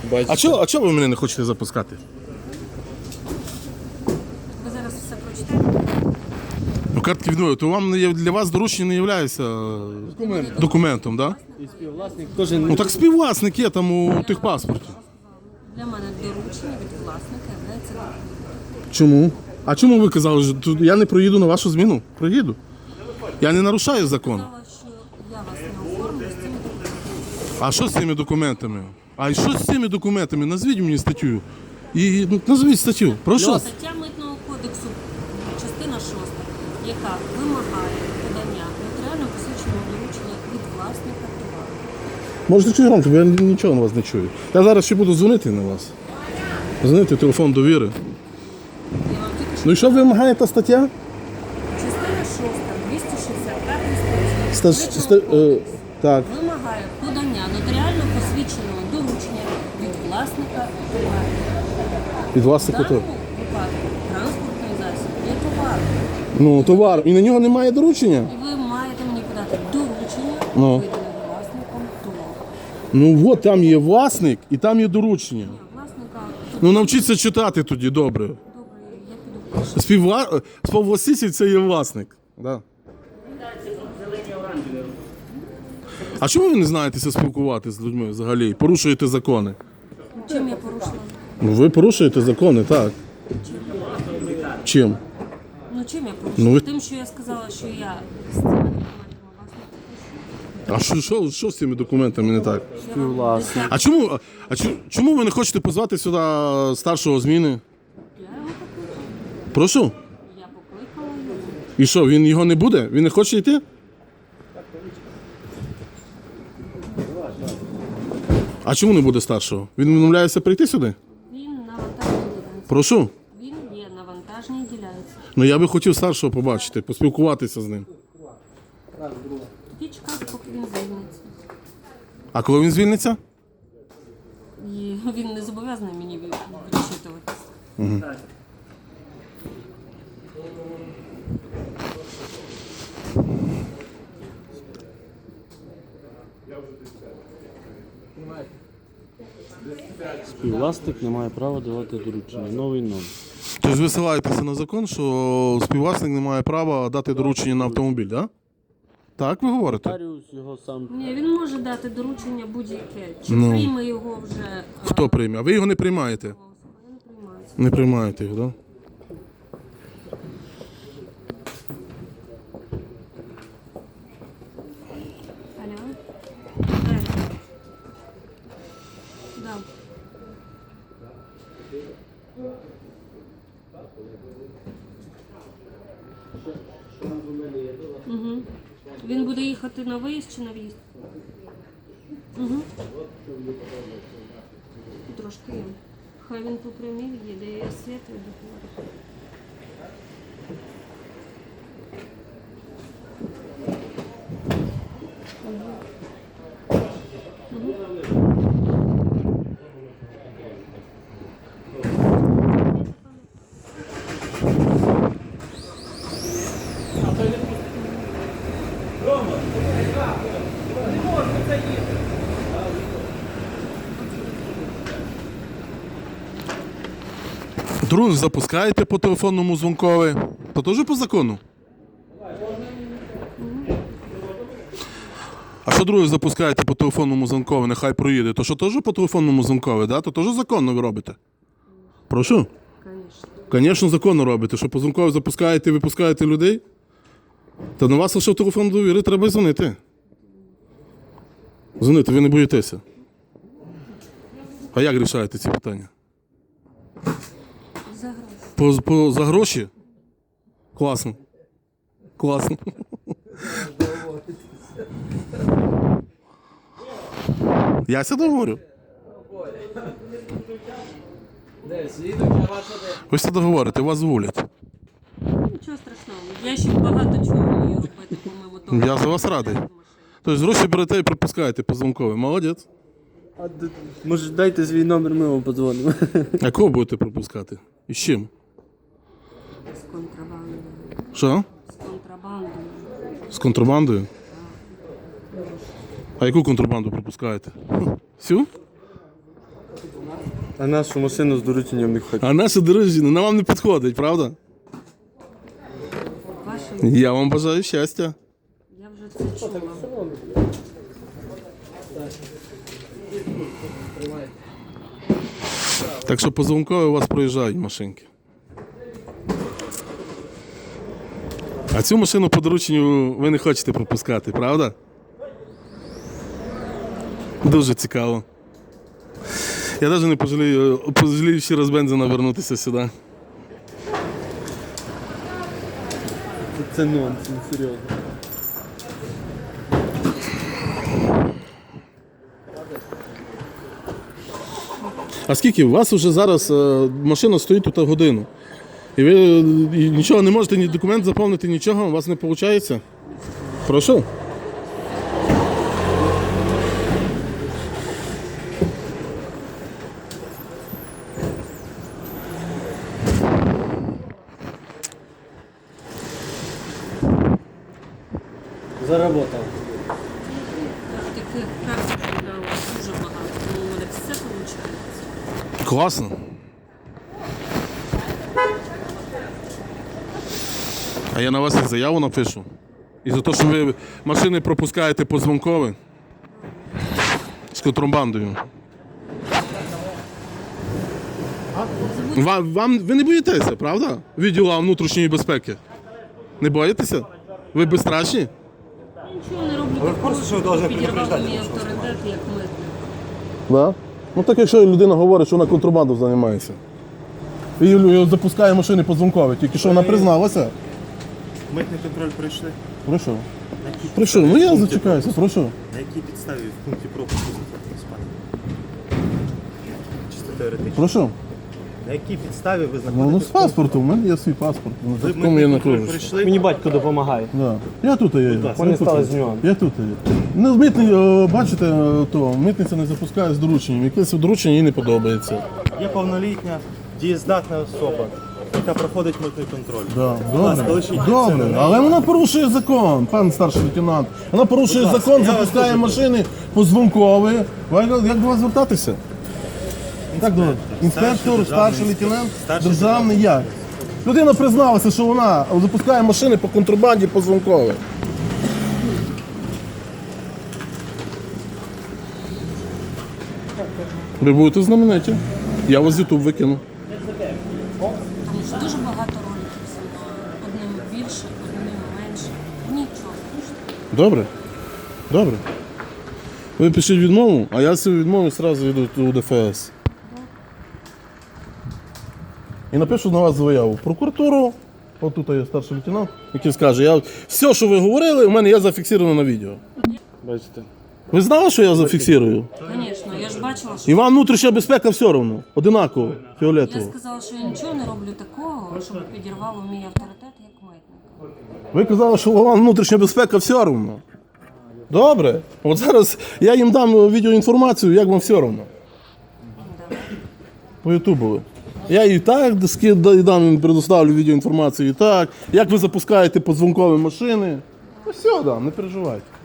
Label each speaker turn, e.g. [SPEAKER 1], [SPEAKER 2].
[SPEAKER 1] Бачите?
[SPEAKER 2] А чого ви мене не хочете запускати?
[SPEAKER 3] Ви зараз все прочитаєте?
[SPEAKER 2] Ну, картки відмови, то вам для вас доручення не є документом, так? Да?
[SPEAKER 1] І співвласник теж
[SPEAKER 2] Ну так співвласник є там у техпаспорті.
[SPEAKER 3] Для мене доручення від власника є документом.
[SPEAKER 2] Чому? А чому ви казали, що тут я не проїду на вашу зміну? Проїду. Я не нарушаю закон.
[SPEAKER 3] Сказала, що я вас не оформлю з цими документами.
[SPEAKER 2] А що з цими документами? А що з цими документами? Назвіть мені статтю. І назвіть статтю. Прошу.
[SPEAKER 3] Стаття Митного кодексу, частина 6, яка вимагає подання нотаріально посвідченого доручення від власника товару.
[SPEAKER 2] Можете чути громче, бо я нічого на вас не чую. Я зараз ще буду дзвонити на вас. Дзвонити в телефон довіри.
[SPEAKER 3] Я вам тільки що
[SPEAKER 2] Ну і що вимагає та стаття?
[SPEAKER 3] частина 6, 265 статті.
[SPEAKER 2] Так.
[SPEAKER 3] Вимагає подання нотаріально посвідченого доручення від власника товару.
[SPEAKER 2] Від
[SPEAKER 3] В
[SPEAKER 2] власника
[SPEAKER 3] даному
[SPEAKER 2] то.
[SPEAKER 3] випадку транспортний засіб є товар.
[SPEAKER 2] Ну, товар. І на нього немає доручення?
[SPEAKER 3] І ви маєте мені подати доручення,
[SPEAKER 2] Ну.
[SPEAKER 3] видане власником товару.
[SPEAKER 2] Ну от там є власник і там є доручення.
[SPEAKER 3] Власника,
[SPEAKER 2] Ну навчіться читати тоді добре.
[SPEAKER 3] добре, я піду перше.
[SPEAKER 2] Співвласитель це є власник. Да. А чому ви не знаєтеся спілкувати з людьми взагалі? Порушуєте закони?
[SPEAKER 3] Чим я порушила?
[SPEAKER 2] Ну ви порушуєте закони, так. Чим?
[SPEAKER 3] Ну чим я порушила?
[SPEAKER 2] Ну, ви-
[SPEAKER 3] Тим, що я сказала, що я з цими документами власника.
[SPEAKER 2] А що з цими документами не так?
[SPEAKER 1] співвласник.
[SPEAKER 2] Чому ви не хочете позвати сюди старшого зміни?
[SPEAKER 3] Я його покликала.
[SPEAKER 2] Прошу.
[SPEAKER 3] Я покликала його.
[SPEAKER 2] І що, він його не буде? Він не хоче йти? А чому не буде старшого? Він відмовляється прийти сюди?
[SPEAKER 3] Він на вантажній ділянці.
[SPEAKER 2] Прошу.
[SPEAKER 3] Він є на вантажній ділянці.
[SPEAKER 2] Ну я би хотів старшого побачити, поспілкуватися з ним.
[SPEAKER 3] Тоді чекати, поки він звільниться.
[SPEAKER 2] А коли він звільниться?
[SPEAKER 3] І він не зобов'язаний мені відчитуватися.
[SPEAKER 1] Співвласник не має права давати доручення. Новий номер.
[SPEAKER 2] Тобто ви ссилаєтеся на закон, що співвласник не має права дати доручення на автомобіль, так? Так ви говорите?
[SPEAKER 1] Нотаріус його сам.
[SPEAKER 3] Ні, він може дати доручення будь-яке. Чи
[SPEAKER 2] Ну.
[SPEAKER 3] прийме його вже
[SPEAKER 2] Хто прийме? А ви його не приймаєте?
[SPEAKER 3] особа? Я не приймаю.
[SPEAKER 2] Не приймаєте його, так?
[SPEAKER 3] Алло? Да. Угу. Він буде їхати на виїзд чи на в'їзд? Угу. Трошки є. Хай він по прямій їде, я світ відбуваю.
[SPEAKER 2] Дрон запускаєте по телефонному дзвонкові, то теж по закону. А що друге запускаєте по телефонному дзвонкові, нехай проїде, то що теж по телефонному дзвонкові, да? То теж законно ви робите? Прошу?
[SPEAKER 3] Звісно.
[SPEAKER 2] Звісно, законно робите, що по дзвонкові запускаєте і випускаєте людей. Та на вас лише в телефон довіри треба й дзвонити. Дзвонити, ви не боїтеся. А як рішаєте ці питання?
[SPEAKER 3] За гроші.
[SPEAKER 2] За гроші? Класно. Класно. Я сюди говорю. Ви сюди говорите, вас зволять.
[SPEAKER 3] Нічого страшного. Я ще багато чого вмію робити, помимо того.
[SPEAKER 2] Я за вас радий. Тобто гроші берете і пропускаєте по дзвонкові. Молодець.
[SPEAKER 1] Може дайте свій номер, ми вам подзвонимо.
[SPEAKER 2] А кого будете пропускати? І з чим?
[SPEAKER 3] З контрабандою.
[SPEAKER 2] Що?
[SPEAKER 3] З контрабандою.
[SPEAKER 2] З контрабандою? А яку контрабанду пропускаєте? Всю?
[SPEAKER 1] А нашу машину з дорученням не хоче.
[SPEAKER 2] А наше дорожче на вам не підходить, правда?
[SPEAKER 3] Ваше,
[SPEAKER 2] Я вам бажаю щастя.
[SPEAKER 3] я вже це чула.
[SPEAKER 2] Так що по Звонкові у вас проїжджають машинки. А цю машину по дорученню ви не хочете пропускати, правда? Дуже цікаво. Я навіть не пожалію ще раз бензина вернутися сюди.
[SPEAKER 1] Це нонсенс, серйозно.
[SPEAKER 2] А скільки? У вас вже зараз машина стоїть тут годину. І ви нічого не можете, ні документ заповнити, нічого, у вас не виходить? Прошу.
[SPEAKER 1] Заработав.
[SPEAKER 3] Таких практик у нас дуже багато. Ну, у мене все виходить.
[SPEAKER 2] Класно. А я на вас і заяву напишу. І за те, що ви машини пропускаєте по Звонкові з контрабандою. Ви не боїтеся, правда? Відділу внутрішньої безпеки. Не боїтеся? Ви безстрашні?
[SPEAKER 3] Нічого не роблю такого, що підірвав мій авторитет як митник.
[SPEAKER 2] Да? Ну так якщо людина говорить, що вона контрабандою займається. І запускає машини по Звонкові, тільки що вона призналася.
[SPEAKER 4] Митний контроль пройшли.
[SPEAKER 2] Прошу.
[SPEAKER 4] На якій
[SPEAKER 2] Прошу, ну я зачекаюся, прошу.
[SPEAKER 4] На якій підставі в пункті пропуску знаходитесь, пане? Чисто теоретично.
[SPEAKER 2] Прошу.
[SPEAKER 4] На якій підставі ви
[SPEAKER 2] Ну,
[SPEAKER 4] знаходитесь?
[SPEAKER 2] з паспортом, у мене є свій паспорт. На
[SPEAKER 4] Ви
[SPEAKER 2] такому я
[SPEAKER 4] митний
[SPEAKER 2] не
[SPEAKER 4] контроль
[SPEAKER 2] кажу.
[SPEAKER 4] пройшли.
[SPEAKER 5] Мені батько допомагає.
[SPEAKER 2] Да. Я тут є.
[SPEAKER 4] ласка.
[SPEAKER 5] Вони стали з нього.
[SPEAKER 2] Я тут є. Ну, бачите, то митниця не запускає з дорученням. Якесь доручення їй не подобається.
[SPEAKER 4] Є повнолітня, дієздатна особа, яка проходить митний контроль.
[SPEAKER 2] Да.
[SPEAKER 4] Будь ласка,
[SPEAKER 2] Добре,
[SPEAKER 4] лишіть
[SPEAKER 2] добре,
[SPEAKER 4] це на
[SPEAKER 2] але вона порушує закон, пан старший лейтенант. Вона порушує
[SPEAKER 4] Будь ласка,
[SPEAKER 2] закон,
[SPEAKER 4] я вас
[SPEAKER 2] запускає
[SPEAKER 4] дуже
[SPEAKER 2] машини по Звонкові. Як до вас звертатися? Так, до інспектор, старший лейтенант,
[SPEAKER 4] Старший
[SPEAKER 2] державний як? Людина призналася, що вона запускає машини по контрабанді по Звонкові. Ви будете знамениті. Я вас з YouTube викину.
[SPEAKER 3] Тому що дуже багато роликів зі мною. Одним більше, одним менше. Нічого страшного.
[SPEAKER 2] Добре. Добре. Ви пишіть відмову, а я цю відмову одразу йду у ДФС. І напишу на вас заяву в прокуратуру. От тут є старший лейтенант, який скаже, все, що ви говорили, у мене є зафіксовано на відео.
[SPEAKER 1] Бачите.
[SPEAKER 2] Ви знали, що я зафіксую?
[SPEAKER 3] Звісно, я ж бачила, що
[SPEAKER 2] І вам внутрішня безпека все одно. Одинаково,
[SPEAKER 3] я
[SPEAKER 2] фіолетово.
[SPEAKER 3] сказала, що я нічого не роблю такого, щоб підірвало мій авторитет як митника.
[SPEAKER 2] Ви казали, що вам внутрішня безпека все одно. Добре. От зараз я їм дам відеоінформацію, як вам все одно. По Ютубу. Я і так дам їм предоставлю відеоінформацію і так. Як ви запускаєте по Звонкові машини. Ну все, да, не переживайте.